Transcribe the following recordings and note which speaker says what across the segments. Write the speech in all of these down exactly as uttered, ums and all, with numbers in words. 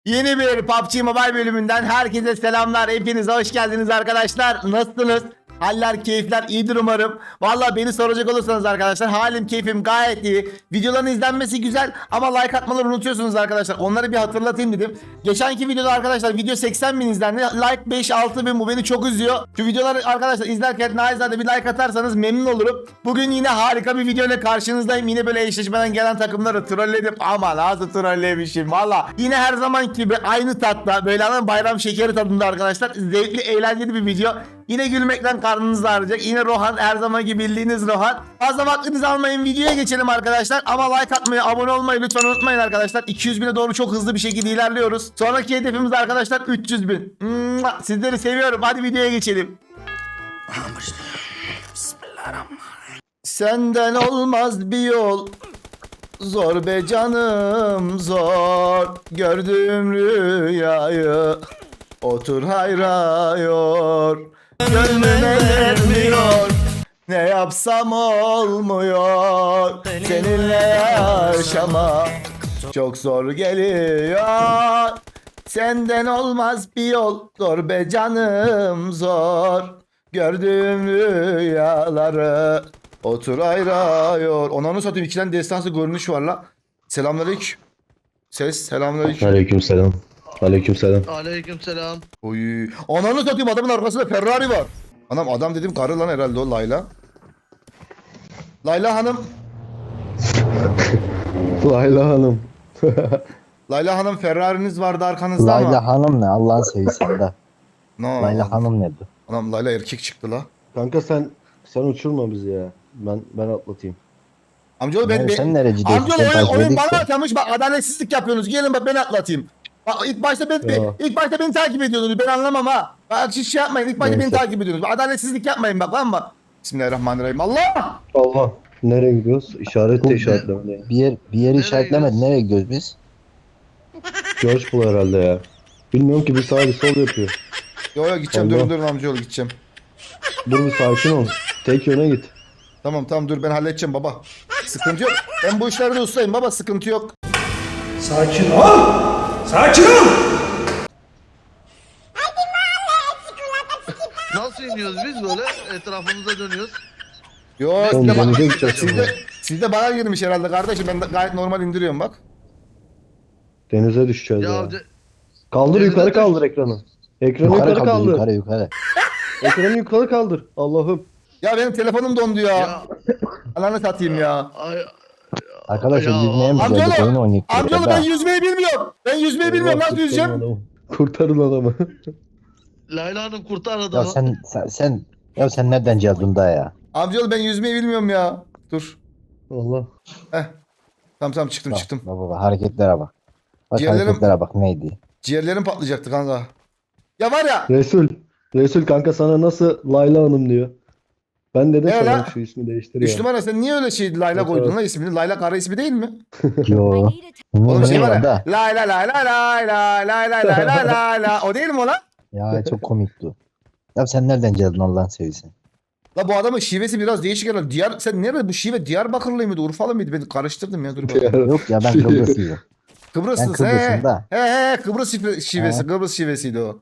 Speaker 1: Yeni bir P U B G Mobile bölümünden herkese selamlar. Hepiniz hoş geldiniz arkadaşlar. Nasılsınız? Haller, keyifler iyidir umarım. Valla beni soracak olursanız arkadaşlar halim, keyfim gayet iyi. Videoların izlenmesi güzel ama like atmaları unutuyorsunuz arkadaşlar. Onları bir hatırlatayım dedim. Geçenki videoda arkadaşlar video seksen bin izlendi. Like beş altı bin, bu beni çok üzüyor. Şu videoları arkadaşlar izlerken naizade bir like atarsanız memnun olurum. Bugün yine harika bir video ile karşınızdayım. Yine böyle eşleşmeden gelen takımları trolledim. Ama nasıl trollemişim valla. Yine her zaman gibi aynı tatta, böyle ana bayram şekeri tadında arkadaşlar. Zevkli, eğlenceli bir video. Yine gülmekten karnınız ağrıyacak. Yine Rohan, her zaman gibi bildiğiniz Rohan. Fazla vaktinizi almayın, videoya geçelim arkadaşlar. Ama like atmayı, abone olmayı lütfen unutmayın arkadaşlar. iki yüz bine doğru çok hızlı bir şekilde ilerliyoruz. Sonraki hedefimiz arkadaşlar üç yüz bin. Mua, sizleri seviyorum. Hadi videoya geçelim. Senden olmaz bir yol. Zor be canım zor. Gördüğüm rüyayı otur hayrıyor. Gönlüm ermiyor. Ne yapsam olmuyor. Seninle yaşama çok zor geliyor. Senden olmaz bir yol. Zor be canım zor. Gördüğüm rüyaları otur ayrıyor. Onanı satayım, ikiden destansı görünüş var la. Selamünaleyküm. Ses selamünaleyküm.
Speaker 2: Aleykümselam. Aleykümselam.
Speaker 3: Aleykümselam.
Speaker 1: Oy. Ananı satayım, adamın arkasında Ferrari var. Anam adam dedim karı lan herhalde o Layla. Layla Hanım.
Speaker 2: Layla Hanım.
Speaker 1: Layla Hanım, Ferrari'niz vardı arkanızda ama.
Speaker 4: Layla Hanım ne Allah'ın sevgisi de.
Speaker 1: No.
Speaker 4: Layla Hanım nedir?
Speaker 1: Anam Layla erkek çıktı la.
Speaker 2: Kanka sen sen uçurma bizi ya. Ben ben atlatayım.
Speaker 1: Amcaoğlu ben,
Speaker 4: Ne,
Speaker 1: ben
Speaker 4: sen nereci diyorsun?
Speaker 1: amcaoğlu
Speaker 4: Sen
Speaker 1: oyun,
Speaker 4: takip
Speaker 1: oyun
Speaker 4: edilsin.
Speaker 1: bana atamış, bak adaletsizlik yapıyorsunuz. Gelin bak ben atlatayım. Bak ilk başta ben,
Speaker 2: Ya.
Speaker 1: ilk başta beni takip ediyordunuz. Ben anlamam ha. Bak hiç şey yapmayın. İlk başta
Speaker 2: Neyse.
Speaker 1: beni takip ediyorsunuz. Bak, adaletsizlik yapmayın bak lan bak. Bismillahirrahmanirrahim. Allah!
Speaker 2: Allah. Nereye gidiyoruz? İşaret de işaretlemedi ya.
Speaker 4: Bir yer bir yeri
Speaker 3: Nereye
Speaker 4: işaretlemedi.
Speaker 3: gidiyorsun?
Speaker 4: Nereye gidiyoruz biz?
Speaker 2: George Bull herhalde ya. Bilmiyorum ki, bir sağ bir sol yapıyor.
Speaker 1: Yo yo gideceğim,
Speaker 2: Allah.
Speaker 1: durun durun amcaoğlu gideceğim.
Speaker 2: Dur bir sakin ol. Tek yöne git.
Speaker 1: Tamam tamam dur ben halledeceğim baba. Sıkıntı yok. Ben bu işlerde ustayım baba, sıkıntı yok.
Speaker 5: Sakin ol! Sakin ol!
Speaker 3: Nasıl iniyoruz biz böyle? Etrafımıza dönüyoruz.
Speaker 1: Yo
Speaker 2: Oğlum
Speaker 1: siz de,
Speaker 2: denize
Speaker 1: ba-
Speaker 2: gideceğiz
Speaker 1: siz
Speaker 2: şimdi.
Speaker 1: de, siz de bana girmiş herhalde kardeşim. Ben de gayet normal indiriyorum bak.
Speaker 2: Denize düşeceğiz ya.
Speaker 3: Ya de-
Speaker 2: Kaldır,
Speaker 3: denize
Speaker 2: yukarı
Speaker 3: düş.
Speaker 2: kaldır ekranı. Ekranı
Speaker 4: Yukarı,
Speaker 2: yukarı,
Speaker 4: kaldır,
Speaker 2: kaldır.
Speaker 4: yukarı yukarı.
Speaker 2: Ekranı yukarı kaldır. Allah'ım.
Speaker 1: Ya benim telefonum dondu ya.
Speaker 3: ya
Speaker 1: Ananı satayım ya.
Speaker 3: ay,
Speaker 4: Arkadaşlar
Speaker 3: Ya,
Speaker 4: biz neye mi
Speaker 1: amcaoğlu,
Speaker 4: geldik? Oyun oynayıp
Speaker 1: Amcaoğlu
Speaker 4: duruyoruz
Speaker 1: ben
Speaker 4: ha.
Speaker 1: yüzmeyi bilmiyorum. Ben yüzmeyi bilmiyorum. Nasıl
Speaker 2: Allah,
Speaker 1: yüzeceğim?
Speaker 2: kurtarın adamı. Kurtarın adamı.
Speaker 3: Layla Hanım kurtar
Speaker 4: Ya
Speaker 3: adamı.
Speaker 4: sen sen, sen ya sen nereden geldin da ya?
Speaker 1: Amcaoğlu ben yüzmeyi bilmiyorum ya. Dur.
Speaker 2: Allah.
Speaker 1: Heh. Tamam tamam çıktım
Speaker 4: Bak,
Speaker 1: çıktım.
Speaker 4: bak, bak, hareketlere bak. Bak
Speaker 1: Ciğerlerim-
Speaker 4: hareketlere bak neydi?
Speaker 1: Ciğerlerim patlayacaktı kanka. Ya var ya.
Speaker 2: Resul. Resul kanka sana nasıl Layla Hanım diyor. Ben dedim
Speaker 1: Ne
Speaker 2: sana
Speaker 1: lan?
Speaker 2: şu ismi değiştir
Speaker 1: Üç
Speaker 2: ya.
Speaker 1: numara sen niye öyle şey Layla
Speaker 2: Evet,
Speaker 1: koydun
Speaker 2: evet.
Speaker 1: lan ismini? Layla karı ismi değil mi?
Speaker 4: Yo.
Speaker 1: Oğlum şey var
Speaker 4: ya
Speaker 1: ya.
Speaker 4: da.
Speaker 1: Layla layla layla layla layla layla. O değil mi o lan?
Speaker 4: Ya çok komikti. Ya sen nereden geldin Allah'ın sevgisi?
Speaker 1: La bu adamın şivesi biraz değişik herhalde. Diyar, sen nerede bu şive? Diyarbakırlı mıydı? Urfalı mıydı? Ben karıştırdım ya dur bakayım.
Speaker 4: Yok ya ben Kıbrıslıyım. Ben
Speaker 1: Kıbrıslısın he.
Speaker 4: Kıbrıs'ım da.
Speaker 1: He he Kıbrıs şive- şivesi.
Speaker 4: He.
Speaker 1: Kıbrıs şivesiydi o.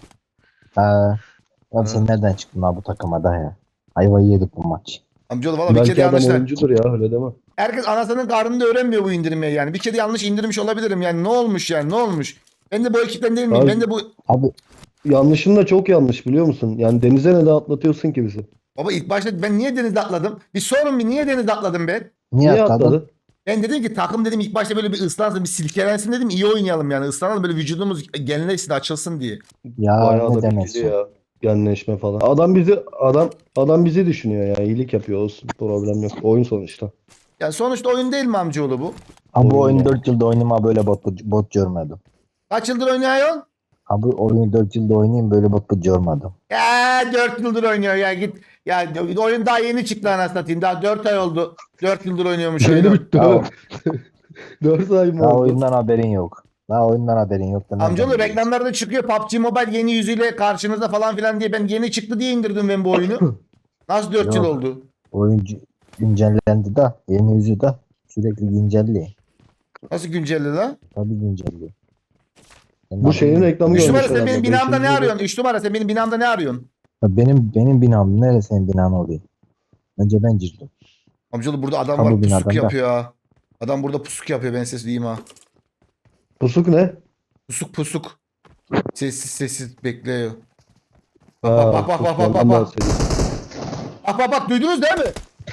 Speaker 4: Ha. Ya sen nereden çıktın abi bu takıma da ya? Ayvayı yedik bu maç.
Speaker 1: Amcaoğlu valla bir
Speaker 2: Belki
Speaker 1: kere
Speaker 2: adam
Speaker 1: yanlışlar.
Speaker 2: oyuncudur ya, öyle deme.
Speaker 1: Herkes anasının karnında öğrenmiyor bu indirmeyi yani. Bir kere yanlış indirmiş olabilirim yani. Ne olmuş yani ne olmuş? Ben de bu ekipten değil miyim?
Speaker 2: Abi-
Speaker 1: Ben de bu...
Speaker 4: Abi
Speaker 2: Yanlışın da çok yanlış, biliyor musun? Yani denize ne de atlatıyorsun ki bizi.
Speaker 1: Baba ilk başta ben niye denizde atladım? Bir sorun bir niye denizde atladım ben?
Speaker 4: niye,
Speaker 2: Niye
Speaker 4: atladın?
Speaker 2: atladın?
Speaker 1: Ben dedim ki takım dedim ilk başta böyle bir ıslansın, bir silkelensin dedim. İyi oynayalım yani. Islanalım böyle vücudumuz genleşsin, açılsın diye.
Speaker 4: Ya
Speaker 2: Bayağı
Speaker 4: ne
Speaker 2: da
Speaker 4: demek
Speaker 2: bilgili ya. Genleşme falan. Adam bizi adam adam bizi düşünüyor ya. İyilik yapıyor, olsun. Problem yok. Oyun sonuçta.
Speaker 1: Yani sonuçta oyun değil mi amcaoğlu bu?
Speaker 4: Abi bu
Speaker 2: Oyun
Speaker 4: oyunu
Speaker 2: ya.
Speaker 4: dört yılda oynayayım böyle bot, bot görmedim.
Speaker 1: Kaç yıldır oynuyorsun?
Speaker 4: Abi oyunu dört yılda oynayayım böyle bot bot görmedim.
Speaker 1: Ya dört yıldır oynuyor ya git. Ya oyun daha yeni çıktı anasını satayım. Daha dört ay oldu. Dört yıldır oynuyormuş oyunu.
Speaker 2: bitti.
Speaker 4: Ya,
Speaker 2: dört ay mı
Speaker 4: daha
Speaker 2: oldu?
Speaker 4: oyundan haberin yok. Daha oyundan haberin yok. da nereden
Speaker 1: Amcaoğlu
Speaker 4: biliyorsun?
Speaker 1: reklamlarda çıkıyor P U B G Mobile yeni yüzüyle karşınızda falan filan diye. Ben yeni çıktı diye indirdim ben bu oyunu. Nasıl dört yıl
Speaker 4: Yok.
Speaker 1: oldu?
Speaker 4: Oyuncu güncellendi de yeni yüzü de sürekli güncelliyor.
Speaker 1: Nasıl güncelledi lan?
Speaker 4: Tabii güncelliyor. Senin
Speaker 2: Bu şeyin
Speaker 4: adın-
Speaker 2: reklamı
Speaker 1: Üç numara
Speaker 2: görmüş
Speaker 1: sen benim
Speaker 2: herhalde.
Speaker 1: binamda ne
Speaker 2: Beşinci
Speaker 1: arıyorsun? Üç numara sen benim binamda ne arıyorsun?
Speaker 4: Benim benim binam neresi senin binan oluyor? Önce ben girdim.
Speaker 1: Amcaoğlu burada adam
Speaker 4: Ha,
Speaker 1: var
Speaker 4: bu
Speaker 1: pusuk
Speaker 4: binadan da.
Speaker 1: yapıyor ha. Adam burada pusuk yapıyor ben ses diyeyim ha.
Speaker 2: Pusuk ne?
Speaker 1: Pusuk pusuk. Sessiz sessiz bekliyor.
Speaker 2: Ha,
Speaker 1: Bak bak bak bak bak bak
Speaker 2: pusuklardan
Speaker 1: bak.
Speaker 2: bahsediyor.
Speaker 1: Bak bak bak duydunuz değil mi?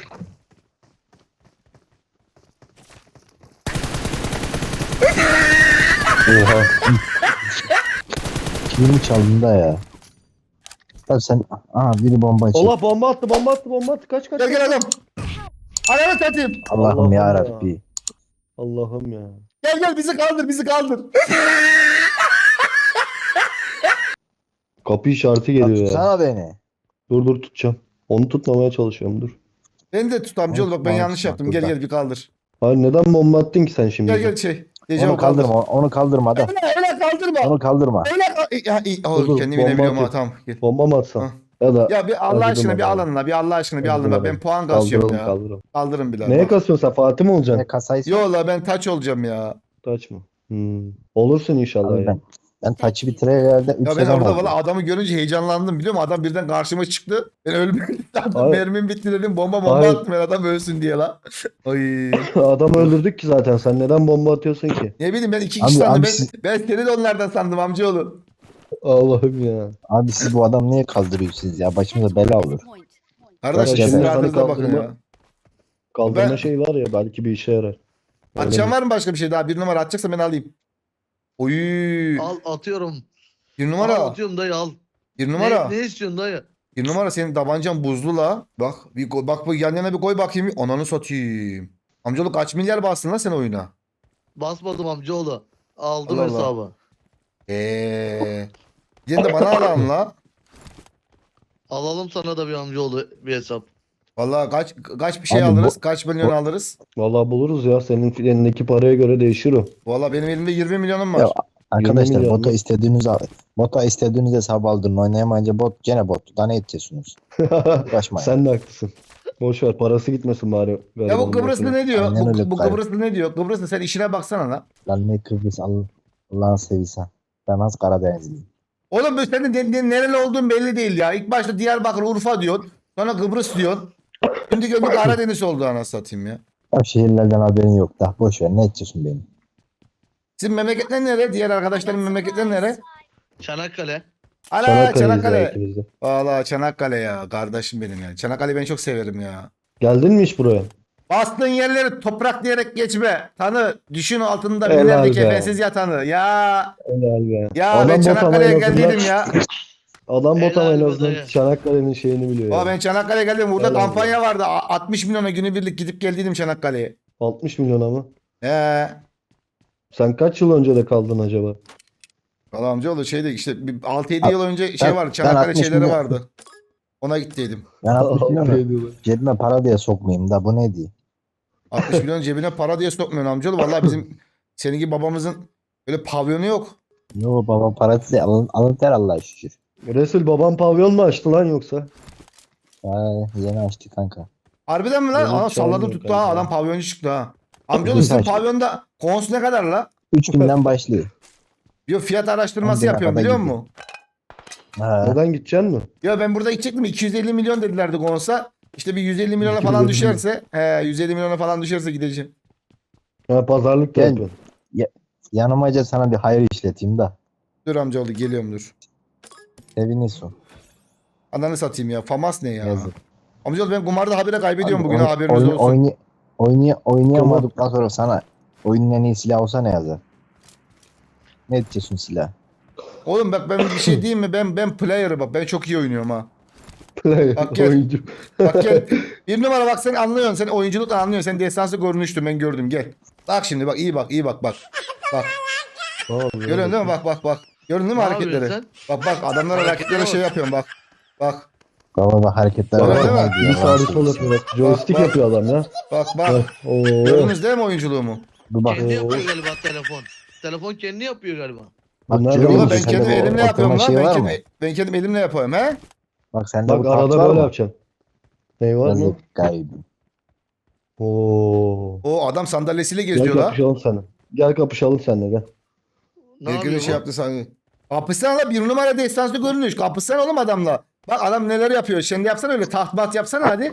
Speaker 2: Oha.
Speaker 4: Kilimi çaldın da ya. Tabii sen aa biri bomba çek.
Speaker 2: Allah bomba attı bomba attı bomba attı. Kaç kaç.
Speaker 1: Gel gel adam. Ananı satayım.
Speaker 4: Allah'ım
Speaker 2: Allah'ım
Speaker 4: ya
Speaker 2: ya.
Speaker 4: Rabbi.
Speaker 2: Allah'ım ya.
Speaker 1: Gel gel bizi kaldır bizi kaldır.
Speaker 2: Kapı işareti geliyor ya.
Speaker 4: Sana beni.
Speaker 2: Dur dur tutacağım. Onu tutmamaya çalışıyorum dur.
Speaker 1: Beni de tut amcaoğlu bak ben
Speaker 4: Bak,
Speaker 1: yanlış
Speaker 4: bak,
Speaker 1: yaptım. Gel
Speaker 4: burada.
Speaker 1: gel bir kaldır.
Speaker 2: Hayır neden bomba attın ki sen şimdi?
Speaker 1: Gel gel şey. Gece
Speaker 4: Onu kaldırma, onu kaldırma da.
Speaker 1: Öyle, öyle kaldırma.
Speaker 4: Onu kaldırma.
Speaker 1: Öyle kal- ya, iyi. Oh,
Speaker 2: Dur, dur,
Speaker 1: kendimi
Speaker 2: bomba
Speaker 1: inebiliyorum ha
Speaker 2: atıyor.
Speaker 1: tamam. Gel.
Speaker 2: Bomba mı atsam?
Speaker 1: Ha.
Speaker 2: Ya da
Speaker 1: Ya bir Allah
Speaker 2: Acıdım
Speaker 1: aşkına bir
Speaker 2: adama.
Speaker 1: alın la bir Allah aşkına bir alın
Speaker 2: Acıdım
Speaker 1: la ben
Speaker 2: adama.
Speaker 1: puan kasıyorum
Speaker 2: kaldıralım
Speaker 1: ya.
Speaker 2: kaldıralım.
Speaker 1: Kaldırın bir
Speaker 2: Neye
Speaker 1: bak.
Speaker 2: kasıyorsun sen? Fatih mi olacaksın?
Speaker 4: Ne kasayı
Speaker 1: Yo la ben taç olacağım ya.
Speaker 2: Taç mı? Hmm. Olursun inşallah
Speaker 4: Abi
Speaker 2: ya.
Speaker 4: ben, ben taçı bitireye geldi üç
Speaker 1: Ya ben
Speaker 4: sezon
Speaker 1: orada
Speaker 4: oldu.
Speaker 1: valla adamı görünce heyecanlandım biliyor musun? Adam birden karşıma çıktı. Ben ölmedim sandım.
Speaker 2: Hayır.
Speaker 1: Mermim bitti dedim. Bomba bomba
Speaker 2: Hayır.
Speaker 1: attım ben adam ölsün diye la. Ay.
Speaker 2: Adamı öldürdük ki zaten. Sen neden bomba atıyorsun ki?
Speaker 1: Ne bileyim ben iki
Speaker 4: Abi,
Speaker 1: kişi sandım.
Speaker 4: abi
Speaker 1: Ben,
Speaker 4: siz-
Speaker 1: ben seni de onlardan sandım amcaoğlu.
Speaker 2: Allah'ım ya.
Speaker 4: Abi siz bu adam niye kaldırıyorsunuz ya? Başımıza bela olur.
Speaker 1: Kardeşim
Speaker 2: Şimdi
Speaker 1: sizin
Speaker 2: sana
Speaker 1: rahatınıza bakın
Speaker 2: kaldırma-
Speaker 1: ya.
Speaker 2: Kaldırma
Speaker 1: Ben-
Speaker 2: şey var ya belki bir işe yarar. Öyle
Speaker 1: Atacağım
Speaker 2: mi?
Speaker 1: var mı başka bir şey daha? Bir numara atacaksa ben alayım. Oy.
Speaker 3: Al atıyorum.
Speaker 1: Bir
Speaker 3: Al
Speaker 1: numara.
Speaker 3: atıyorum dayı al.
Speaker 1: Bir numara.
Speaker 3: Ne, ne istiyorsun dayı?
Speaker 1: Bir numara senin tabancan buzlu la. Bak bir koy- bak bu yan yana bir koy bakayım. Ananı satayım. Amcaoğlu kaç milyar bastın la sen oyuna?
Speaker 3: Basmadım amcaoğlu. Aldım
Speaker 1: Allah Allah.
Speaker 3: hesabı.
Speaker 1: Eee. Diyen de bana alalım la.
Speaker 3: Alalım sana da bir amcaoğlu bir hesap.
Speaker 1: Vallahi kaç kaç bir şey
Speaker 4: Abi bu-
Speaker 1: alırız? Kaç milyon
Speaker 4: bu-
Speaker 1: alırız?
Speaker 2: Vallahi buluruz ya. Senin elindeki paraya göre değişir o.
Speaker 1: Vallahi benim elimde yirmi milyonum var.
Speaker 4: Ya, Arkadaşlar
Speaker 2: milyon
Speaker 4: bota
Speaker 2: mu?
Speaker 4: istediğiniz al. Bota istediğiniz hesabı aldırın. Oynayamayınca bot gene bot. Daha ne edeceksiniz? Uğraşmayın.
Speaker 2: Sen de haklısın. Boş ver parası gitmesin bari.
Speaker 1: Ya bu
Speaker 2: garibanın
Speaker 1: Kıbrıslı
Speaker 2: başına.
Speaker 1: ne diyor?
Speaker 4: Aynen
Speaker 1: Bu,
Speaker 4: öyle
Speaker 1: bu
Speaker 4: gayet.
Speaker 1: Kıbrıslı ne diyor? Kıbrıslı sen işine baksana la.
Speaker 4: Lan ne Kıbrıs Allah, Allah'ın seversen. Ben az Karadenizliyim.
Speaker 1: Oğlum bu senin ne- ne- nereli olduğun belli değil ya. İlk başta Diyarbakır, Urfa diyorsun. Sonra Kıbrıs diyorsun. Şimdi gördük Karadeniz oldu anasını satayım ya.
Speaker 4: Ya şehirlerden haberin yok da. Boş ver ne edeceksin benim?
Speaker 1: Sizin memleketler nere? Diğer arkadaşların memleketleri nere?
Speaker 3: Çanakkale.
Speaker 1: Ala
Speaker 2: Çanakkale'yiz ya
Speaker 1: Çanakkale.
Speaker 2: ikimiz de.
Speaker 1: Valla Çanakkale ya. Kardeşim benim ya. Çanakkale'yi ben çok severim ya.
Speaker 2: Geldin mi hiç buraya?
Speaker 1: Bastığın yerleri toprak diyerek geçme. Tanı. Düşün altında
Speaker 2: Helal
Speaker 1: binlerce
Speaker 2: be.
Speaker 1: kefensiz yatanı. Ya.
Speaker 2: Helal be.
Speaker 1: Ya
Speaker 2: Adam
Speaker 1: ben
Speaker 2: bot ama
Speaker 1: Çanakkale'ye
Speaker 2: en azından-
Speaker 1: geldiydim ya.
Speaker 2: Adam bot ama en
Speaker 3: Helal be
Speaker 2: azından
Speaker 3: dayı.
Speaker 2: Çanakkale'nin şeyini biliyor
Speaker 1: Aa,
Speaker 2: ya.
Speaker 1: ben Çanakkale'ye geldim. Burada
Speaker 2: Helal
Speaker 1: kampanya vardı. A- altmış milyona günübirlik gidip geldiydim Çanakkale'ye.
Speaker 2: altmış milyona mı?
Speaker 1: He.
Speaker 2: Sen kaç yıl önce de kaldın acaba?
Speaker 1: Valla amcaoğlu şeydi işte bir altı yedi yıl önce şey
Speaker 4: ben-
Speaker 1: vardı.
Speaker 4: ben
Speaker 1: Çanakkale
Speaker 4: altmış
Speaker 1: şeyleri
Speaker 4: milyon-
Speaker 1: vardı. Ona gittiydim.
Speaker 4: Ben altmış milyon
Speaker 2: Altı yıl.
Speaker 4: cebime para diye sokmayayım da bu ne diye.
Speaker 1: altmış milyon cebine para diye sokmuyorsun amcaoğlu. Valla bizim senin gibi babamızın öyle pavyonu yok.
Speaker 4: Yo baba parası değil alın, alın ter Allah'a şükür.
Speaker 2: Resul babam pavyon mu açtı lan yoksa?
Speaker 4: Ha, yeni açtı kanka.
Speaker 1: Harbiden mi lan?
Speaker 2: Benim
Speaker 1: Aa, salladım
Speaker 2: çalmıyor
Speaker 1: tuttu ha.
Speaker 2: kanka.
Speaker 1: Adam pavyoncu çıktı ha. Amcaoğlu sizin
Speaker 4: Saçma.
Speaker 1: pavyonda kons ne kadar la?
Speaker 4: üç binden başlıyor.
Speaker 1: Yo fiyat araştırması
Speaker 4: Ben de
Speaker 1: yapıyorum
Speaker 4: arada
Speaker 1: biliyor
Speaker 4: gidiyor.
Speaker 1: musun?
Speaker 4: Ha.
Speaker 2: Neden gideceksin mi?
Speaker 1: Ya ben burada gidecektim iki yüz elli milyon dedilerdi konsa. İşte bir yüz elli milyona
Speaker 2: iki
Speaker 1: falan
Speaker 2: milyon
Speaker 1: düşerse, he yüz elli milyona falan düşerse gideceğim.
Speaker 2: Ha pazarlık da
Speaker 4: Gel.
Speaker 2: yapıyorsun.
Speaker 4: Yanımaca sana bir hayır işleteyim da.
Speaker 1: Dur amcaoğlu geliyorum dur.
Speaker 4: Sevinirsin.
Speaker 1: Ananı satayım ya. Famas ne ya?
Speaker 4: Yazık.
Speaker 1: Amcaoğlu ben kumarda habire kaybediyorum
Speaker 4: Abi,
Speaker 1: bugün
Speaker 4: oyn-
Speaker 1: haberiniz
Speaker 4: oyun-
Speaker 1: olsun.
Speaker 4: oynay- oynay- oynayamadıktan sonra sana oyunun en iyi silah olsa ne yazar? Ne edeceksin silah?
Speaker 1: Oğlum bak ben bir şey diyeyim mi? Ben ben player'ı bak. Ben çok iyi oynuyorum ha. Bak gel.
Speaker 2: Oyuncu.
Speaker 1: Bak gel. Bir numara bak sen anlıyorsun. Sen oyunculukla anlıyorsun. Sen destansı görünüştün ben gördüm gel. Bak şimdi bak iyi bak iyi bak bak. Bak.
Speaker 2: Tamam,
Speaker 1: Görüyorsun değil mi? Bak bak bak. Gördün değil mi
Speaker 3: Ne
Speaker 1: hareketleri?
Speaker 3: yapıyorsun
Speaker 1: Bak bak adamlara rakiplere şey yapıyorum bak. Bak
Speaker 4: Baba bak hareketler
Speaker 1: Öyle
Speaker 4: var.
Speaker 1: değil mi?
Speaker 4: Ne diyor
Speaker 2: Bir
Speaker 4: lan
Speaker 2: sağ
Speaker 4: siz?
Speaker 2: sol yapıyor bak. Joystick
Speaker 1: bak.
Speaker 2: yapıyor adam ya.
Speaker 1: bak bak.
Speaker 2: Oo.
Speaker 1: Gördünüz değil mi oyunculuğumu?
Speaker 4: Dur bak.
Speaker 3: Kendi yapıyor galiba telefon. Telefon kendi yapıyor galiba.
Speaker 4: Bak
Speaker 2: Bunlar
Speaker 4: görüyor
Speaker 2: da
Speaker 1: Valla
Speaker 4: musun?
Speaker 1: ben
Speaker 2: Sende
Speaker 4: Sende
Speaker 1: kendim
Speaker 4: bu
Speaker 1: elimle
Speaker 4: oturma
Speaker 1: yapıyorum lan.
Speaker 4: şeyi
Speaker 1: Ben
Speaker 4: var mı?
Speaker 1: kendim, ben kendim elimle yapıyorum he.
Speaker 4: Bak sende
Speaker 2: Bak
Speaker 4: bu taht
Speaker 2: arada
Speaker 4: var
Speaker 2: böyle
Speaker 4: mı?
Speaker 2: yapacaksın. Ne var mı?
Speaker 4: Yazık gaybi.
Speaker 2: Oo.
Speaker 1: O adam sandalyesiyle
Speaker 2: Gel
Speaker 1: geziyor la.
Speaker 2: kapışalım seninle. Gel kapışalım seninle gel.
Speaker 3: Ne
Speaker 1: Bir
Speaker 3: yapıyor
Speaker 1: gün şey
Speaker 3: bu?
Speaker 1: yaptı sanki. Kapışsana la, bir numara destansı görünüş. Kapışsana oğlum adamla. Bak adam neler yapıyor. Şimdi yapsana öyle taht mat yapsana hadi.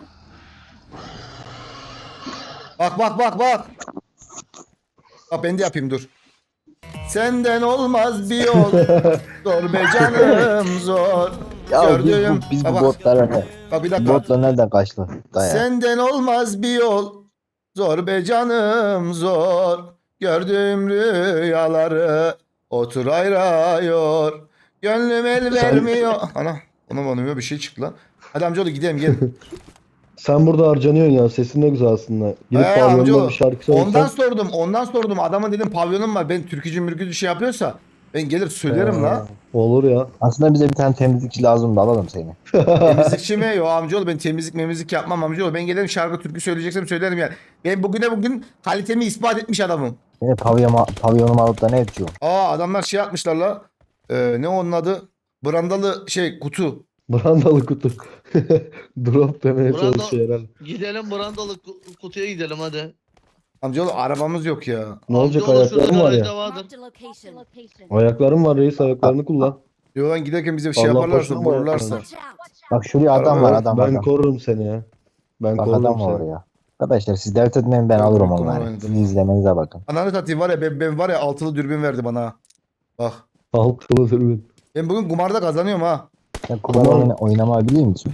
Speaker 1: Bak bak bak bak. Bak ben de yapayım dur. Senden olmaz bir yol. Zor be canım zor.
Speaker 4: Ya biz
Speaker 1: Gördüğüm.
Speaker 4: bu, biz
Speaker 1: Bak,
Speaker 4: bu
Speaker 1: bak.
Speaker 4: botlara ne?
Speaker 1: Bak bir
Speaker 4: Bu
Speaker 1: dakika.
Speaker 4: botla nereden kaçtı? Daya.
Speaker 1: Senden olmaz bir yol. Zor be canım zor. Gördüğüm rüyaları otur ayrıyor. Gönlüm el vermiyor. Ana. Ona bana bir şey çıktı lan. Hadi amcaoğlu gidelim gel.
Speaker 2: Sen burada harcanıyorsun ya. Sesin ne güzel aslında. Gidip
Speaker 1: Ee,
Speaker 2: pavyonda
Speaker 1: amcaoğlu,
Speaker 2: bir şarkı
Speaker 1: ondan
Speaker 2: söylesen.
Speaker 1: sordum. Ondan sordum. Adama dedim pavyonum var. Ben türkücü mürkücü şey yapıyorsa ben gelir söylerim la.
Speaker 2: Olur ya.
Speaker 4: Aslında bize bir tane temizlikçi lazım da alalım seni.
Speaker 1: Temizlikçi mi? Yo amcaoğlu ben temizlik memizlik yapmam amcaoğlu. Ben gelirim şarkı türkü söyleyeceksem söylerim yani. Ben bugüne bugün kalitemi ispat etmiş adamım.
Speaker 4: Seni pavyonuma, pavyonumu alıp da ne edeceğim?
Speaker 1: Aa adamlar şey yapmışlar la. Ee, ne onun adı? Brandalı şey kutu.
Speaker 2: Brandalı kutu. Drop demeye
Speaker 3: Branda-
Speaker 2: çalışıyor herhalde.
Speaker 3: Gidelim brandalı ku- kutuya gidelim hadi.
Speaker 1: Amcaoğlu arabamız yok ya.
Speaker 2: Ne olacak,
Speaker 3: Amcaoğlu şurada
Speaker 2: ayaklarım var
Speaker 3: garajda
Speaker 2: ya.
Speaker 3: vardır.
Speaker 6: Marked a location.
Speaker 2: Ayaklarım var reis, ayaklarını kullan.
Speaker 1: Yoldan giderken bize bir şey
Speaker 2: Allah
Speaker 1: yaparlarsa
Speaker 2: başına mı
Speaker 1: vururlarsa.
Speaker 2: ayaklarını?
Speaker 6: Watch out.
Speaker 4: Bak şuraya adam var
Speaker 1: Araba-
Speaker 4: adam
Speaker 2: Ben
Speaker 4: adam.
Speaker 2: korurum seni ya. Ben
Speaker 4: Bak
Speaker 2: korurum
Speaker 4: adam var
Speaker 2: seni.
Speaker 4: oraya. Arkadaşlar siz dert etmeyin ben
Speaker 1: Yok,
Speaker 4: alırım
Speaker 1: yok,
Speaker 4: onları.
Speaker 1: oynadım.
Speaker 4: Siz izlemenize bakın.
Speaker 1: Ananı satayım var ya ben, ben var ya altılı dürbün verdi bana. ha. Bak.
Speaker 2: Altılı dürbün.
Speaker 1: Ben bugün kumarda kazanıyorum ha.
Speaker 4: Sen kumar
Speaker 2: Tamam.
Speaker 4: oyna, oynamayı biliyor musun?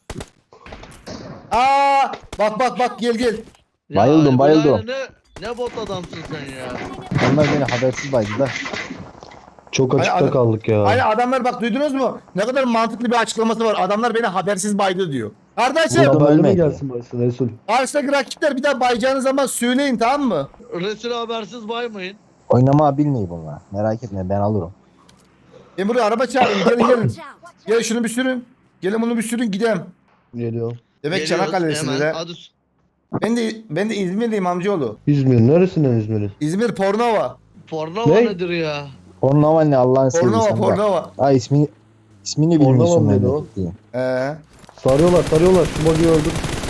Speaker 1: Aa bak bak bak gel gel.
Speaker 3: Ya,
Speaker 4: Bayıldım,
Speaker 3: bu
Speaker 4: bayıldım.
Speaker 3: yani Ne, ne bot adamsın sen ya.
Speaker 4: Onlar beni habersiz baydılar.
Speaker 2: Çok açıkta
Speaker 1: adam-
Speaker 2: kaldık ya.
Speaker 1: Hayır adamlar bak duydunuz mu? Ne kadar mantıklı bir açıklaması var. Adamlar beni habersiz baydı diyor. Kardeşim
Speaker 4: Burada-
Speaker 2: Buradan öyle mi
Speaker 4: ölmedi.
Speaker 2: gelsin Baysin Resul?
Speaker 1: karşıdaki rakipler bir daha bayacağınız zaman söyleyin tamam mı?
Speaker 3: Resul habersiz baymayın.
Speaker 4: Oynamayı bilmiyor bunlar. Merak etme ben alırım.
Speaker 1: Ben buraya araba çağırın gelin gelin.
Speaker 6: Watch out.
Speaker 1: Gelin şunu bir sürün. Gelin bunu bir sürün gidelim.
Speaker 2: Geliyor.
Speaker 1: Demek
Speaker 3: Geliyoruz
Speaker 1: Çanakkale'lisiniz
Speaker 3: hemen.
Speaker 1: ha.
Speaker 3: Hadi.
Speaker 1: Ben de ben de İzmirliyim amcaoğlu.
Speaker 2: İzmir. Neresinden İzmir'in?
Speaker 1: İzmir Pornova.
Speaker 3: Pornova
Speaker 2: Ne?
Speaker 3: nedir ya?
Speaker 4: Pornova ne Allah'ın
Speaker 1: Pornova
Speaker 4: sevgisi.
Speaker 1: Pornova.
Speaker 4: Ha ismini ismini
Speaker 2: Pornova
Speaker 4: bilmiyorsun
Speaker 2: mı dedi o?
Speaker 4: memleket diye.
Speaker 1: Ee,
Speaker 2: Sarıyorlar sarıyorlar. Şu bug'i öldür.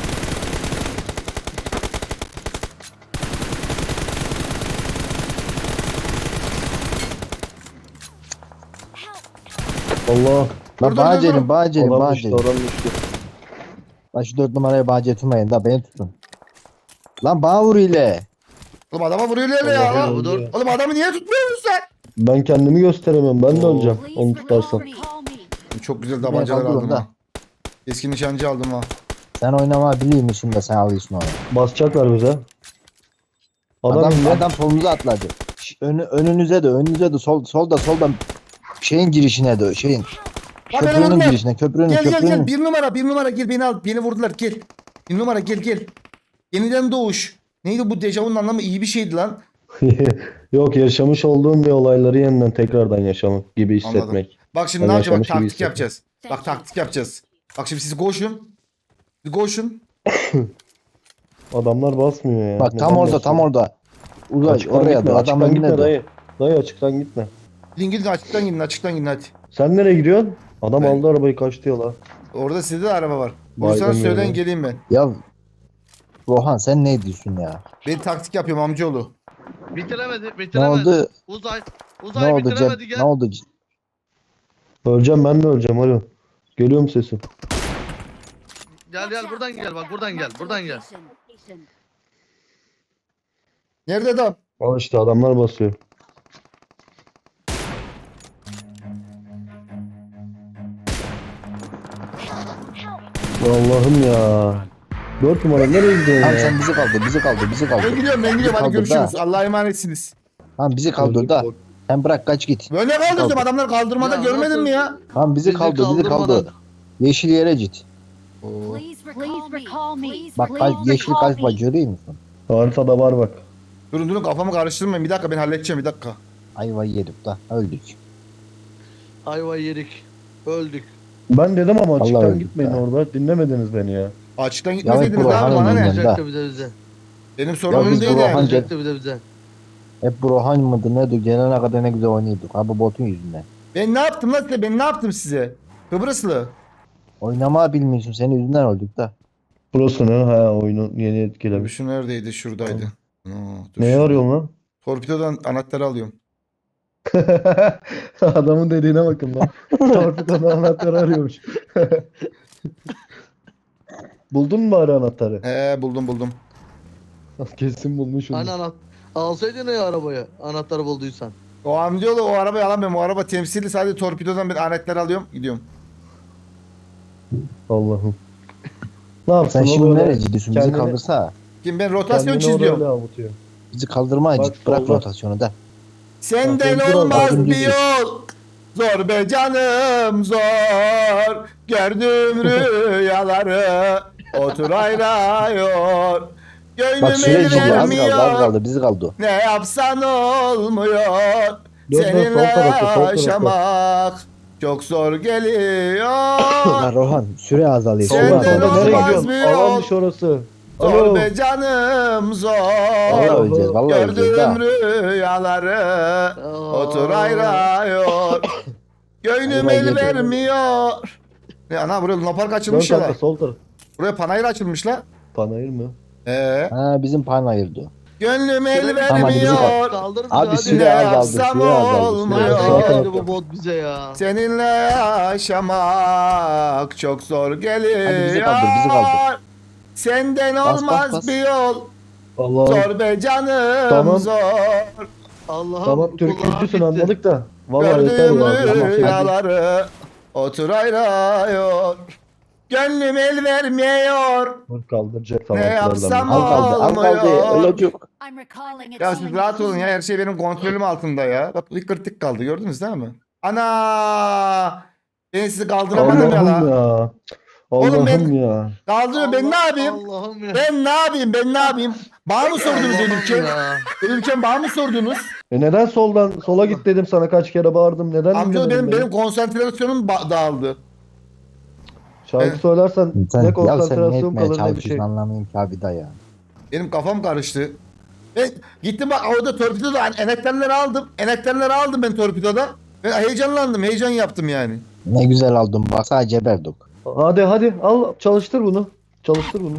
Speaker 2: Allah.
Speaker 4: Lan
Speaker 1: dur,
Speaker 4: bana
Speaker 1: dur,
Speaker 4: gelin
Speaker 1: dur.
Speaker 4: bana gelin
Speaker 2: Adam
Speaker 4: bana
Speaker 2: düştü
Speaker 4: gelin.
Speaker 2: adam düştü.
Speaker 4: Lan şu dört numaraya bana getirmeyin da beni tutun. Lan bana vur ile.
Speaker 1: oğlum adama vuruyorlar ya.
Speaker 2: Allah'ım
Speaker 3: Ya bu dur.
Speaker 2: ya.
Speaker 1: Oğlum adamı niye tutmuyorsun sen?
Speaker 2: Ben kendimi gösteremem. Ben de
Speaker 1: Oo.
Speaker 2: öleceğim. Onu
Speaker 6: Please
Speaker 2: tutarsam.
Speaker 6: recall me.
Speaker 1: Çok güzel tabancalar
Speaker 4: kaldırın
Speaker 1: aldım
Speaker 4: da.
Speaker 1: ha. Keskin nişancı aldım ha.
Speaker 4: Sen oynamayı biliyor musun da sen alıyorsun onu.
Speaker 2: Basacaklar bize. Adam,
Speaker 4: Adam,
Speaker 2: indi.
Speaker 4: adam solunuza atladı. Ş- Önü, önünüze de önünüze de sol solda solda şeyin girişine de şeyin
Speaker 1: Bak beni
Speaker 4: köprünün
Speaker 1: vurdular.
Speaker 4: girişine köprünün
Speaker 1: Gel gel
Speaker 4: köprünün.
Speaker 1: gel bir numara bir numara gel beni al beni vurdular gel. Bir numara gel gel. Yeniden doğuş. Neydi bu dejavunun anlamı iyi bir şeydi lan.
Speaker 2: Yok, yaşamış olduğum bir olayları yeniden tekrardan yaşamak gibi hissetmek.
Speaker 1: Bak şimdi
Speaker 2: Ben
Speaker 1: ne yapacağız? Bak
Speaker 2: yaşamış gibi
Speaker 1: taktik
Speaker 2: hissettim.
Speaker 1: yapacağız. Bak taktik yapacağız. Bak şimdi siz koşun. Siz koşun.
Speaker 2: Adamlar basmıyor ya.
Speaker 4: Bak tam
Speaker 2: Neden
Speaker 4: orada tam
Speaker 2: basmıyor?
Speaker 4: orada. Uzay
Speaker 2: Açıktan
Speaker 4: oraya
Speaker 2: gitme,
Speaker 4: da
Speaker 2: açıktan
Speaker 4: adam
Speaker 2: gitme
Speaker 4: önüne de.
Speaker 2: dayı. Dayı açıktan gitme.
Speaker 1: Gidin gidin açıktan gidin açıktan gidin hadi.
Speaker 2: Sen nereye gidiyorsun? Adam
Speaker 1: Ben-
Speaker 2: aldı arabayı kaçtı yola.
Speaker 1: Orada sizde de araba var.
Speaker 2: Vay
Speaker 1: Bulursanız
Speaker 2: be.
Speaker 1: söyleyin geleyim ben.
Speaker 4: Ya Rohan sen ne diyorsun ya?
Speaker 1: Ben taktik yapıyorum amcaoğlu.
Speaker 3: Bitiremedi,
Speaker 4: Ne
Speaker 3: bitiremedi.
Speaker 4: oldu?
Speaker 3: Uzay,
Speaker 4: Ne
Speaker 3: uzay
Speaker 4: oldu
Speaker 3: bitiremedi
Speaker 4: Cem?
Speaker 3: gel.
Speaker 4: Ne oldu?
Speaker 2: Öleceğim, ben de öleceğim. Alo. Geliyor mu sesim?
Speaker 3: Gel gel buradan gel bak buradan gel,
Speaker 6: Marked a
Speaker 3: buradan gel.
Speaker 6: location.
Speaker 1: Nerede adam?
Speaker 2: Al işte, adamlar basıyor. Allah'ım ya. Dört numara nereye gidiyorsun
Speaker 4: Tamam
Speaker 2: ya?
Speaker 4: sen bizi kaldır bizi kaldır bizi kaldır.
Speaker 1: Ben gidiyorum ben gidiyorum hadi
Speaker 4: Kaldır
Speaker 1: görüşürüz.
Speaker 4: da.
Speaker 1: Allah'a emanetsiniz.
Speaker 4: Tamam bizi kaldır da. Sen bırak kaç git.
Speaker 1: Böyle kaldırdım
Speaker 4: Kaldır.
Speaker 1: adamlar kaldırmada
Speaker 3: Ya
Speaker 1: görmedin
Speaker 3: nasıl-
Speaker 1: mi ya?
Speaker 4: Tamam bizi
Speaker 3: Bizi
Speaker 4: kaldır bizi
Speaker 3: kaldırmadan-
Speaker 4: kaldır. Yeşil yere git.
Speaker 6: Please recall me.
Speaker 4: Bak kaç yeşil kalp var görüyor musun?
Speaker 2: Haritada var bak.
Speaker 1: Durun durun kafamı karıştırmayın bir dakika ben halledeceğim bir dakika.
Speaker 4: Ayva yedik da öldük.
Speaker 3: Ayva yedik. Öldük.
Speaker 2: Ben dedim ama
Speaker 4: Allah
Speaker 2: açıktan
Speaker 4: öldük
Speaker 2: gitmeyin
Speaker 4: be.
Speaker 2: orada. Dinlemediniz beni ya.
Speaker 1: Açıktan
Speaker 4: Ya
Speaker 1: gitmeseydiniz
Speaker 4: bu
Speaker 1: abi
Speaker 4: Rohan'ın
Speaker 1: bana ne?
Speaker 4: yüzünden.
Speaker 3: Yapacaktı bize bize.
Speaker 1: Benim
Speaker 4: Ya
Speaker 1: sorunum
Speaker 4: biz
Speaker 1: değil
Speaker 4: bu
Speaker 1: yani.
Speaker 4: Rohan-
Speaker 3: Yapacaktı bize bize.
Speaker 4: Hep bu Rohan mıdır nedir gelene kadar ne güzel oynuyorduk. Ha bu botun yüzünden.
Speaker 1: Ben ne yaptım lan size? Ben ne yaptım size? Kıbrıslı.
Speaker 4: Oynamayı bilmiyorsun senin yüzünden öldük da.
Speaker 2: Burası ne? Ha, oyunu yeni etkilemiş.
Speaker 1: Şu neredeydi? Şuradaydı. Aa, dur
Speaker 2: Neye
Speaker 1: şu-
Speaker 2: arıyorsun lan?
Speaker 1: Torpidodan anahtarı alıyorum.
Speaker 2: Adamın dediğine bakın lan. Torpido'nun anahtarı arıyormuş. Buldun mu bari anahtarı?
Speaker 1: He buldum buldum.
Speaker 2: Kesin bulmuşum.
Speaker 3: Hani anahtar. Alsaydın ya arabaya. Anahtarı bulduysan.
Speaker 1: O amcaoğlu o arabayı alamıyorum. O araba temsili sadece torpidodan bir aletler alıyorum. Gidiyorum.
Speaker 2: Allah'ım. Ne yapsın
Speaker 4: Sen
Speaker 2: o
Speaker 4: şimdi
Speaker 2: böyle
Speaker 4: nereye gidiyorsun? Bizi
Speaker 2: kendini-
Speaker 4: kaldırsa.
Speaker 1: Kim ben rotasyon
Speaker 2: kendini
Speaker 1: çiziyorum.
Speaker 2: orayla avutuyor.
Speaker 4: Bizi kaldırmaya
Speaker 2: Bak,
Speaker 4: git. Bırak
Speaker 2: solda.
Speaker 4: rotasyonu da.
Speaker 1: Senden
Speaker 2: Bak, dur,
Speaker 1: olmaz
Speaker 4: bak,
Speaker 1: bir yol. Zor be canım zor. Gördüm rüyaları. Otur ayrıyor.
Speaker 4: Bak
Speaker 1: Gönlüm
Speaker 4: süre
Speaker 1: el
Speaker 4: gidiyor. Az kaldı az
Speaker 1: vermiyor.
Speaker 4: kaldı. Bizi kaldı.
Speaker 1: Ne yapsan olmuyor.
Speaker 2: Dur, dur,
Speaker 1: Seninle
Speaker 2: sol tarafta, sol tarafta.
Speaker 1: yaşamak çok zor geliyor.
Speaker 4: Lan Rohan süre azalıyor.
Speaker 1: Sen
Speaker 4: Süre
Speaker 1: de
Speaker 4: azalıyor.
Speaker 1: olmaz
Speaker 2: Nereye
Speaker 4: Bizi kaldı.
Speaker 2: gidiyorsun?
Speaker 1: bir yol.
Speaker 2: Alanmış orası.
Speaker 1: Zor
Speaker 2: Alo.
Speaker 1: be canım zor.
Speaker 4: Vallahi öleceğiz. Vallahi öleceğiz
Speaker 1: Gördüğüm
Speaker 4: daha.
Speaker 1: rüyaları otur ayrıyor. Gönlüm
Speaker 4: Vallahi
Speaker 1: el
Speaker 4: geliyor.
Speaker 1: vermiyor. Ne ana buraya Luna Park
Speaker 2: Dön
Speaker 1: açılmış ya
Speaker 2: kanka
Speaker 1: lan.
Speaker 2: sol taraf.
Speaker 1: Buraya panayır açılmış la.
Speaker 2: Panayır mı?
Speaker 1: Ee,
Speaker 4: Ha bizim pan ayırdı.
Speaker 1: gönlüm el
Speaker 3: Süre-
Speaker 4: Tamam, hadi bizi kal-
Speaker 1: vermiyor.
Speaker 3: Kaldır bizi
Speaker 4: Abi
Speaker 3: hadi.
Speaker 4: süre
Speaker 1: Ne
Speaker 4: azaldı.
Speaker 1: yapsam
Speaker 4: Süre azaldı.
Speaker 1: olmuyor.
Speaker 4: Süre
Speaker 3: Nereden
Speaker 4: azaldı.
Speaker 3: geldi bu bot bize ya?
Speaker 1: Seninle yaşamak çok zor geliyor.
Speaker 4: Hadi bizi kaldır, bizi kaldır.
Speaker 1: Senden
Speaker 4: Bas, bas,
Speaker 1: olmaz
Speaker 4: bas.
Speaker 1: bir yol.
Speaker 2: Allah'ım.
Speaker 1: Zor be canım
Speaker 2: Tamam.
Speaker 1: zor.
Speaker 3: Allah'ım.
Speaker 2: Tamam
Speaker 3: kulağım
Speaker 2: Türkçüsün
Speaker 3: gitti.
Speaker 2: anladık da. Vallahi yeter
Speaker 1: Gördüğüm
Speaker 2: ya. Tamam, hadi.
Speaker 1: rüyaları otur ayrıyor. Gönlüm el vermiyor.
Speaker 2: Dur, kaldıracak
Speaker 1: Ne
Speaker 2: tamam.
Speaker 1: yapsam
Speaker 4: Al kaldı. Al kaldı.
Speaker 1: olmuyor.
Speaker 4: Ölecek.
Speaker 6: I'm recalling it.
Speaker 1: Ya siz rahat olun ya her şey benim kontrolüm altında ya. Bak bir kırtık kaldı gördünüz değil mi? Ana! Ben sizi kaldıramadım ya
Speaker 2: Allah'ım
Speaker 1: la.
Speaker 2: ya.
Speaker 1: Oğlum ben-
Speaker 2: Allah'ım ya.
Speaker 1: Kaldırıyor ben ne
Speaker 3: Allah-
Speaker 1: yapayım?
Speaker 3: Allah'ım ya.
Speaker 1: Ben ne yapayım ben ne yapayım? Bana mı sordunuz
Speaker 3: Allah'ım
Speaker 1: ölürken?
Speaker 3: ya.
Speaker 1: Ölürken bana mı sordunuz?
Speaker 2: E neden soldan sola git dedim sana kaç kere bağırdım. Neden
Speaker 1: Amca
Speaker 2: dinlemedin
Speaker 1: benim
Speaker 2: beni?
Speaker 1: benim konsantrasyonum ba- dağıldı.
Speaker 2: Şarkı
Speaker 1: Ben-
Speaker 2: söylersen
Speaker 4: Sen,
Speaker 2: ne
Speaker 4: ya sen ne
Speaker 2: konsantrasyon
Speaker 4: etmeye
Speaker 2: kalır ne bir
Speaker 4: çalışıyorsun
Speaker 2: şey.
Speaker 4: anlamayayım ki abi da ya.
Speaker 1: Benim kafam karıştı. Ben gittim bak orada torpidoda hani enekterleri aldım. Enekterleri aldım ben torpidoda. Ben heyecanlandım, heyecan yaptım yani.
Speaker 4: Ne güzel aldın bak sadece berdik.
Speaker 2: Hadi hadi al çalıştır bunu. Çalıştır bunu.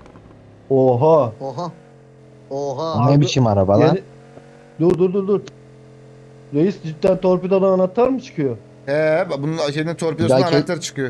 Speaker 2: Oha.
Speaker 3: Oha. Oha.
Speaker 4: O ne biçim araba lan?
Speaker 2: Yeni- Dur dur dur dur. Reis cidden torpidodan anahtar mı çıkıyor?
Speaker 1: He, bak bunun şeyden torpidosundan
Speaker 4: Bir dahaki-
Speaker 1: anahtar çıkıyor.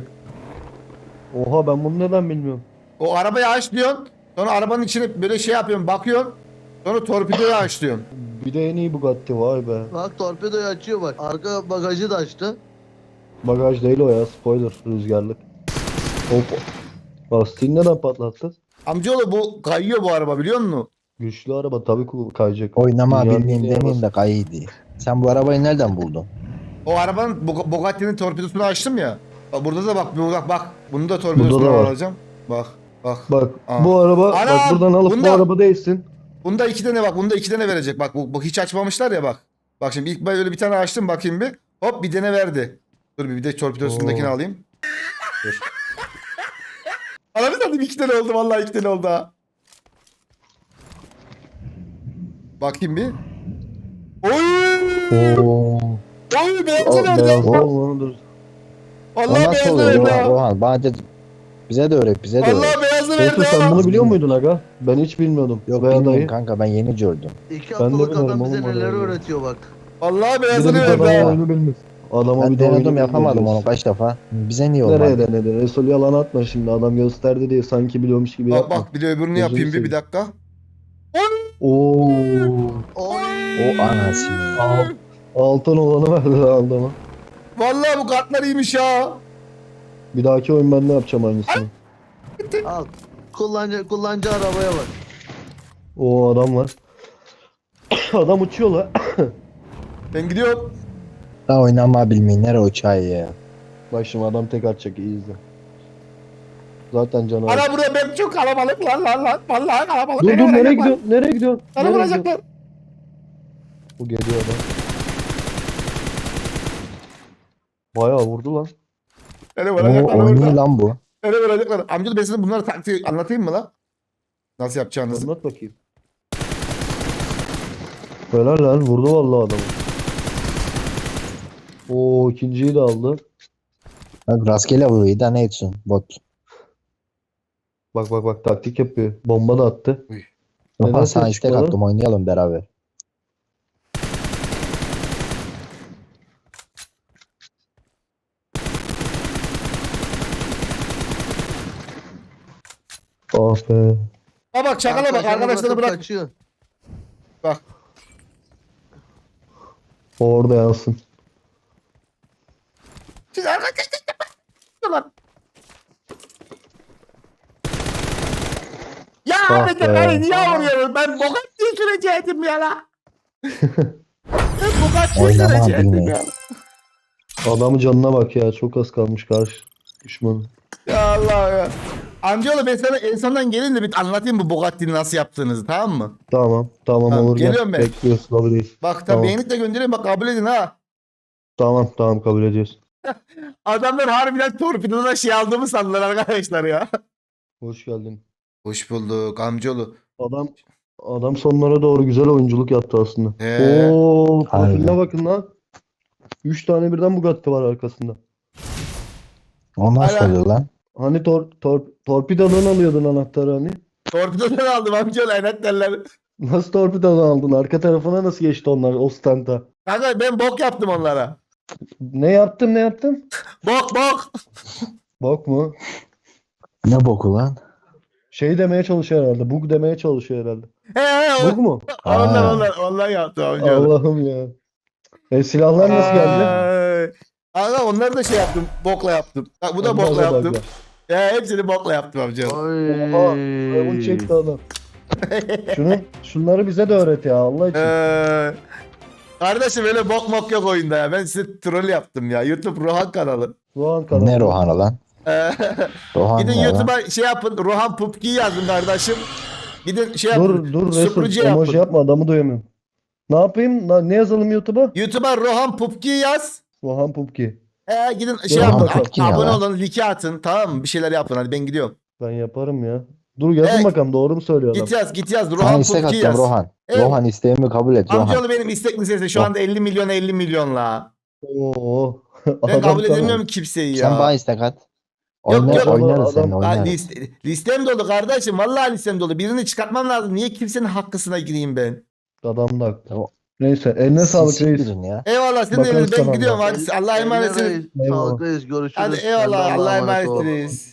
Speaker 2: Oha ben bunu neden bilmiyorum.
Speaker 1: O arabayı açlıyorsun. Sonra arabanın içine böyle şey yapıyorsun, bakıyorsun. Sonra torpidoyu açlıyorsun.
Speaker 2: Bir de en iyi Bugatti vay be.
Speaker 3: Bak torpidoyu açıyor bak. Arka bagajı da açtı.
Speaker 2: Bagaj değil o ya spoiler rüzgarlık. Hop. Lastiğini neden patlattı?
Speaker 1: Amcaoğlu bu kayıyor bu araba biliyor musun?
Speaker 2: Güçlü araba tabii ki kayacak.
Speaker 4: Oynama
Speaker 2: Dünyanın
Speaker 4: bilmeyeyim
Speaker 2: en iyi
Speaker 4: demeyeyim de kayıydı. Sen bu arabayı nereden buldun?
Speaker 1: O arabanın Bug- Bugatti'nin torpidosunu açtım ya. Bak burada da bak bak bak. Bunu da torpidosunu
Speaker 2: Burada da var.
Speaker 1: alacağım. Bak bak.
Speaker 2: Bak
Speaker 1: Aa.
Speaker 2: bu araba bak
Speaker 1: Anam,
Speaker 2: buradan alıp
Speaker 1: bunda-
Speaker 2: bu araba değilsin.
Speaker 1: Bunda iki tane bak. Bunda iki tane verecek. Bak bu, bu hiç açmamışlar ya bak. Bak şimdi ilk böyle bir tane açtım bakayım bir. Hop bir tane verdi. Dur bir, bir de torpidosundakini
Speaker 2: Oo.
Speaker 1: alayım. Dur. Anladın mı? İki tane oldu vallahi iki tane oldu ha. Bakayım bir. Oy!
Speaker 4: Oo.
Speaker 1: Oy beyazı
Speaker 2: Al,
Speaker 1: verdi.
Speaker 2: beyaz
Speaker 4: O-
Speaker 2: ol, dur.
Speaker 4: O
Speaker 1: Vallahi
Speaker 4: nasıl
Speaker 1: beyazı
Speaker 4: oluyor
Speaker 1: verdi
Speaker 4: Rohan?
Speaker 1: ha.
Speaker 4: Rohan bana de, bize de öğret bize de öğret.
Speaker 1: Vallahi beyazı verdi
Speaker 2: Olsun sen
Speaker 1: ha.
Speaker 2: bunu biliyor muydun aga? Ben hiç bilmiyordum.
Speaker 4: Yok
Speaker 2: Veya
Speaker 4: bilmiyorum
Speaker 2: dayı.
Speaker 4: kanka ben yeni gördüm.
Speaker 3: İki
Speaker 2: Ben de
Speaker 3: haftalık
Speaker 2: bilmiyorum
Speaker 3: adam bize
Speaker 2: oğlum
Speaker 3: neler
Speaker 2: orayı.
Speaker 3: öğretiyor bak.
Speaker 1: Vallahi
Speaker 2: Bir de
Speaker 1: beyazını
Speaker 2: bir
Speaker 1: verdi
Speaker 2: adama
Speaker 1: ha.
Speaker 2: oyunu bilmiş. Adama
Speaker 4: Ben
Speaker 2: bir de oyunu
Speaker 4: denedim yapamadım
Speaker 2: bilmiyoruz.
Speaker 4: onu kaç defa. Bize niye
Speaker 2: Nereye
Speaker 4: olmadı?
Speaker 2: denedin? Resul yalan atma şimdi. Adam gösterdi diye sanki biliyormuş gibi
Speaker 1: Bak
Speaker 2: yapma.
Speaker 1: bak bir de öbürünü
Speaker 2: Gözünü
Speaker 1: yapayım bir, bir
Speaker 2: seveyim.
Speaker 1: dakika.
Speaker 2: Oo.
Speaker 3: Oy.
Speaker 4: O anasını.
Speaker 2: Al. Altın olanı verdi adama.
Speaker 1: Vallahi bu kartlar iyiymiş ha.
Speaker 2: Bir dahaki oyun ben ne yapacağım aynısını.
Speaker 3: Al. Kullanıcı, kullanıcı arabaya bak.
Speaker 2: O adam var. Adam uçuyor la.
Speaker 1: Ben gidiyorum.
Speaker 4: Daha oynama bilmeyin nere uçağı ya.
Speaker 2: Bak şimdi adam tek atacak iyi izle. Zaten canavar.
Speaker 1: Ana buraya ben çok kalabalık lan lan lan. Vallahi kalabalık.
Speaker 2: Dur
Speaker 1: Beni
Speaker 2: dur nereye
Speaker 1: vuracaklar.
Speaker 2: gidiyorsun? Nereye gidiyorsun?
Speaker 1: Beni
Speaker 2: Nereye gidiyorsun?
Speaker 1: vuracaklar.
Speaker 2: Bu geliyor adam. Bayağı vurdu lan.
Speaker 1: Beni
Speaker 4: Oo,
Speaker 1: vuracaklar.
Speaker 4: oynuyor
Speaker 1: orada.
Speaker 4: lan bu.
Speaker 1: Beni vuracaklar. Amca ben size bunları taktiği anlatayım mı lan? Nasıl yapacağınızı.
Speaker 2: Anlat bakayım. Helal lan vurdu vallahi adamı. Oo ikinciyi de aldı.
Speaker 4: Bak rastgele vuruyor da ne etsin bot.
Speaker 2: Bak bak bak taktik yapıyor. Bomba da attı. Neden
Speaker 4: Rohan
Speaker 2: ses
Speaker 4: sana istek
Speaker 2: çıkmadı?
Speaker 4: attım oynayalım beraber.
Speaker 2: Ah be.
Speaker 1: Ha bak çakala bak
Speaker 3: Arkadaşlarını
Speaker 1: arkadaşlarını
Speaker 3: bırakıp
Speaker 1: bırak.
Speaker 3: Kaçıyor.
Speaker 1: Bak.
Speaker 2: O orada yazsın.
Speaker 1: Siz arkadaşlar. Ya
Speaker 2: Ah
Speaker 1: Ahmet
Speaker 2: be.
Speaker 1: beni niye vuruyorsun? Ben Bugatti'yi sürecektim ya la. Ben Bugatti'yi
Speaker 4: Oynama
Speaker 1: sürecektim
Speaker 4: bilmeyin.
Speaker 1: ya.
Speaker 2: Adamın canına bak ya. Çok az kalmış karşı düşmanı.
Speaker 1: Ya Allah ya. Amcaoğlu ben sana en sondan gelin de bir anlatayım bu Bugatti'ni nasıl yaptığınızı, tamam mı?
Speaker 2: Tamam. Tamam,
Speaker 1: Tamam,
Speaker 2: olur. gel.
Speaker 1: geliyorum ben.
Speaker 2: Bekliyoruz. Kabul değil.
Speaker 1: Bak tabii
Speaker 2: Tamam.
Speaker 1: beğenip de göndereyim bak kabul edin ha.
Speaker 2: Tamam tamam kabul ediyoruz.
Speaker 1: Adamlar harbiden torpidoda şey aldığımı sandılar arkadaşlar ya.
Speaker 2: Hoş geldin.
Speaker 1: Hoş bulduk amcaoğlu.
Speaker 2: Adam adam sonlara doğru güzel oyunculuk yaptı aslında.
Speaker 1: He.
Speaker 2: Oo, profiline
Speaker 4: Aynen.
Speaker 2: bakın lan. Üç tane birden Bugatti var arkasında.
Speaker 4: O nasıl
Speaker 1: Hala-
Speaker 4: oluyor lan?
Speaker 2: Hani tor, tor, torpidodan alıyordun anahtarı hani?
Speaker 1: Torpidodan aldım amcaoğlu enetlerler.
Speaker 2: Nasıl torpidodan aldın? Arka tarafına nasıl geçti onlar o standa?
Speaker 1: Kanka ben bok yaptım onlara.
Speaker 2: Ne yaptın ne yaptın?
Speaker 1: Bok bok.
Speaker 2: Bak mı?
Speaker 4: Ne boku lan?
Speaker 2: Şey demeye çalışıyor herhalde. Bug demeye çalışıyor herhalde.
Speaker 1: He he
Speaker 2: Bug mu?
Speaker 1: onlar
Speaker 4: Aa.
Speaker 1: onlar onlar yaptı amcaoğlu.
Speaker 2: Allah'ım ya. E silahlar nasıl geldi?
Speaker 1: Ay. Kanka onları da şey yaptım. Bokla yaptım. Bak bu da
Speaker 2: Onlar
Speaker 1: bokla
Speaker 2: da
Speaker 1: yaptım.
Speaker 2: bug'la.
Speaker 1: Ya hepsini bokla yaptım amcaoğlu.
Speaker 2: Oha. Firavun çekti adam. Şunu, şunları bize de öğret ya Allah için.
Speaker 1: Ee, kardeşim öyle bok mok yok oyunda ya. Ben size troll yaptım ya. YouTube Rohan kanalı.
Speaker 2: Rohan kanalı.
Speaker 4: Ne Rohan'ı lan?
Speaker 1: Ee,
Speaker 4: Rohan
Speaker 1: Gidin
Speaker 4: ne lan?
Speaker 1: YouTube'a şey yapın. Rohan Pupki yazın kardeşim. Gidin şey yapın.
Speaker 2: Dur dur Resul
Speaker 1: Suprici
Speaker 2: emoji
Speaker 1: yapın.
Speaker 2: yapma adamı duyamıyorum. Ne yapayım? Na- Ne yazalım YouTube'a?
Speaker 1: YouTube'a Rohan Pupki yaz.
Speaker 2: Rohan Pupki.
Speaker 1: Ee, gidin şey
Speaker 2: Rohan
Speaker 1: yapın.
Speaker 4: Pupki ne
Speaker 1: Abone
Speaker 4: lan?
Speaker 1: olun. Like atın. Tamam mı? Bir şeyler yapın. Hadi ben gidiyorum.
Speaker 2: Ben yaparım ya. Dur yazın
Speaker 1: Evet.
Speaker 2: bakalım doğru mu söylüyor adam?
Speaker 1: Git yaz. Git yaz.
Speaker 4: Ben
Speaker 1: Rohan
Speaker 4: istek
Speaker 1: Pupki
Speaker 4: atacağım
Speaker 1: yaz.
Speaker 4: Rohan.
Speaker 1: Evet.
Speaker 4: Rohan isteğimi kabul et Rohan.
Speaker 1: Amcaoğlu benim istek listesi şu anda elli milyon elli milyon la.
Speaker 2: Oo.
Speaker 1: Ben
Speaker 2: Adam
Speaker 1: kabul
Speaker 2: sana-
Speaker 1: edemiyorum kimseyi ya.
Speaker 4: Sen bana istek at.
Speaker 1: Yok,
Speaker 4: Oynar,
Speaker 1: yok.
Speaker 4: oynarız
Speaker 2: Adam-
Speaker 4: seninle
Speaker 1: Ha,
Speaker 4: oynarız.
Speaker 1: liste, listem dolu kardeşim. Vallahi listem dolu. Birini çıkartmam lazım. Niye kimsenin hakkısına gireyim ben?
Speaker 2: Adam da haklı.
Speaker 4: Tamam.
Speaker 2: Neyse eline
Speaker 4: Siz
Speaker 2: sağlık reis.
Speaker 4: siktirin ya.
Speaker 1: Eyvallah sen de
Speaker 2: Bakarız
Speaker 1: eliniz. Ben
Speaker 2: sana
Speaker 1: gidiyorum.
Speaker 2: Allah.
Speaker 1: Hadi Allah'a
Speaker 3: Eline
Speaker 1: emanetsiniz.
Speaker 3: reis,
Speaker 2: Eyvallah.
Speaker 3: Sağlık reis görüşürüz.
Speaker 1: Hadi
Speaker 3: Sen de
Speaker 1: eyvallah. Allah'a emanet
Speaker 3: ol.
Speaker 1: reis.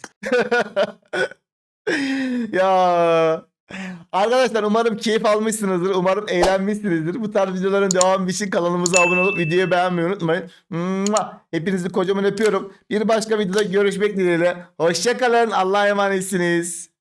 Speaker 1: Ya. Arkadaşlar umarım keyif almışsınızdır. Umarım eğlenmişsinizdir. Bu tarz videoların devamı için kanalımıza abone olup videoyu beğenmeyi unutmayın. Mua! Hepinizi kocaman öpüyorum. Bir başka videoda görüşmek dileğiyle. Hoşçakalın. Allah'a emanetsiniz.